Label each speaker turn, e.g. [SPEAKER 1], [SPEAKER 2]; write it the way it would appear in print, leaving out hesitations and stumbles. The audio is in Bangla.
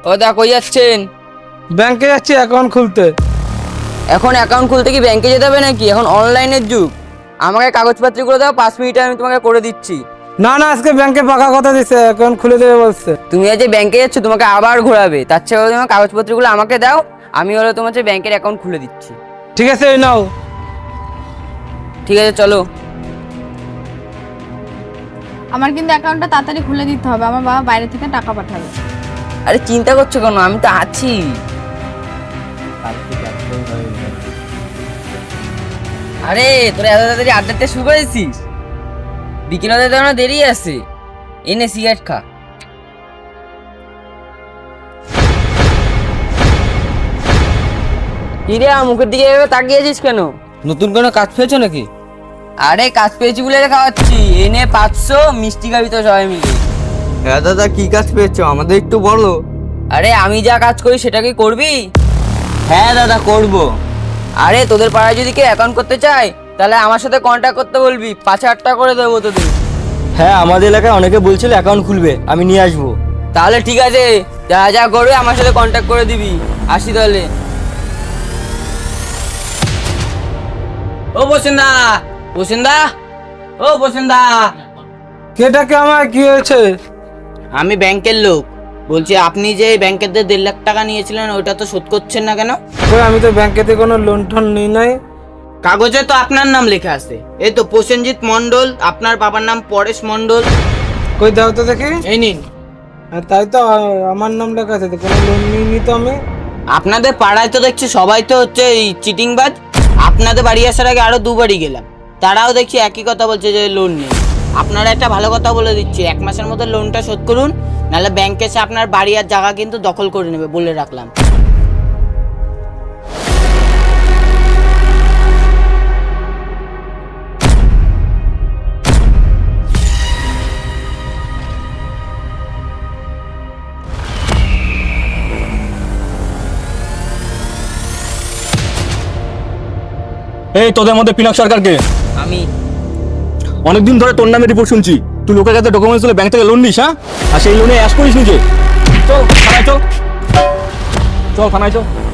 [SPEAKER 1] ও দা কই যাচ্ছেন?
[SPEAKER 2] ব্যাংকে যাচ্ছি অ্যাকাউন্ট খুলতে।
[SPEAKER 1] এখন অ্যাকাউন্ট খুলতে কি ব্যাংকে যেতে হবে নাকি? এখন অনলাইনের যুগ। আমাকে কাগজপত্রগুলো দাও, 5 মিনিটে আমি তোমাকে করে দিচ্ছি।
[SPEAKER 2] না না, আজকে ব্যাংকে পাকা কথা দিচ্ছে, অ্যাকাউন্ট খুলে দেবে বলছে।
[SPEAKER 1] তুমি আজ যে ব্যাংকে যাচ্ছ তোমাকে আবার ঘোরাবে, তার চেয়ে বলো তোমার কাগজপত্রগুলো আমাকে দাও, আমি হলো তোমার যে ব্যাংকের অ্যাকাউন্ট খুলে দিচ্ছি।
[SPEAKER 2] ঠিক আছে, এই নাও।
[SPEAKER 1] ঠিক আছে চলো।
[SPEAKER 3] আমার কিন্তু অ্যাকাউন্টটা তাড়াতাড়ি খুলে দিতে হবে, আমার বাবা বাইরে থেকে টাকা পাঠাবে।
[SPEAKER 1] আরে চিন্তা করছো কেন, আমি তো আছি। আরে তোরা এত তাড়াতাড়ি আড্ডাতে শুরু করেছিস? বিকেল হতে তো আমার দেরি আছে। এনে সিগারেট খা। কিরে মুখের দিকে এভাবে তাকিয়েছিস কেন?
[SPEAKER 2] নতুন কোনো কাজ পেয়েছো নাকি?
[SPEAKER 1] আরে কাজ পেয়েছি বলে খাওয়াচ্ছি। এনে 500 মিষ্টি খাবি তো সবাই মিলে।
[SPEAKER 4] হ্যাঁ দাদা, কি কাজ পেয়েছো আমাদের একটু বলো।
[SPEAKER 1] আরে আমি যা কাজ করি সেটা কি করবি?
[SPEAKER 4] হ্যাঁ দাদা, করবো।
[SPEAKER 1] আরে তোদের পাড়ায় যদি কেউ অ্যাকাউন্ট করতে চায় তাহলে আমার সাথে কন্ট্যাক্ট করতে বলবি, 5,000 টাকা করে দেবো তোদের।
[SPEAKER 4] হ্যাঁ, আমাদের এলাকায় অনেকে বলছিল অ্যাকাউন্ট খুলবে, আমি নিয়ে আসবো।
[SPEAKER 1] তাহলে ঠিক আছে, যা যা করবে আমার সাথে কন্ট্যাক্ট করে দিবি। আসি তাহলে। ও বসেন্দা, বসেন্দা, ও বসেন্দা।
[SPEAKER 2] কেটাকে আমার কি হয়েছে?
[SPEAKER 5] আমি ব্যাংকের লোক বলছি, আপনি যে ব্যাংকের 1.5 লাখ টাকা নিয়েছিলেন ওটা তো শোধ করছেন না কেন?
[SPEAKER 2] কই, আমি তো ব্যাংকেতে কোনো লোন টোন নিই নাই।
[SPEAKER 5] কাগজে তো আপনার নাম লেখা আছে, এই তো প্রসেনজিৎ মণ্ডল, আপনার বাবার নাম পরেশ মণ্ডল।
[SPEAKER 2] কই দাও তো দেখি।
[SPEAKER 5] এই নিন।
[SPEAKER 2] তাই তো, আমার নাম লেখা আছে তো, কোনো লোন নিইনি তো আমি।
[SPEAKER 5] আপনাদের পাড়ায় তো দেখছি সবাই তো হচ্ছে এই চিটিংবাজ। আপনাদের বাড়ি আসার আগে আরো 2 বাড়ি গেলাম, তারাও দেখছি একই কথা বলছে যে লোন নেই। আপনারা একটা ভালো কথা বলে দিচ্ছি, 1 মাসের মধ্যে লোনটা শোধ করুন, নাহলে ব্যাংক এসে আপনার বাড়ি আর জায়গা কিন্তু দখল করে নেবে, বলে রাখলাম।
[SPEAKER 6] এই তোদের মধ্যে পিনাক সরকারকে
[SPEAKER 1] আমি
[SPEAKER 6] অনেকদিন ধরে তোর নামে রিপোর্ট শুনছি, তুই লোকের কাছে ডকুমেন্টস তুলে ব্যাংক থেকে লোন নিস, হ্যাঁ? আর সেই লোনে অ্যাশ করিস নিজে। চল থানায় চল, চল থানায় চল।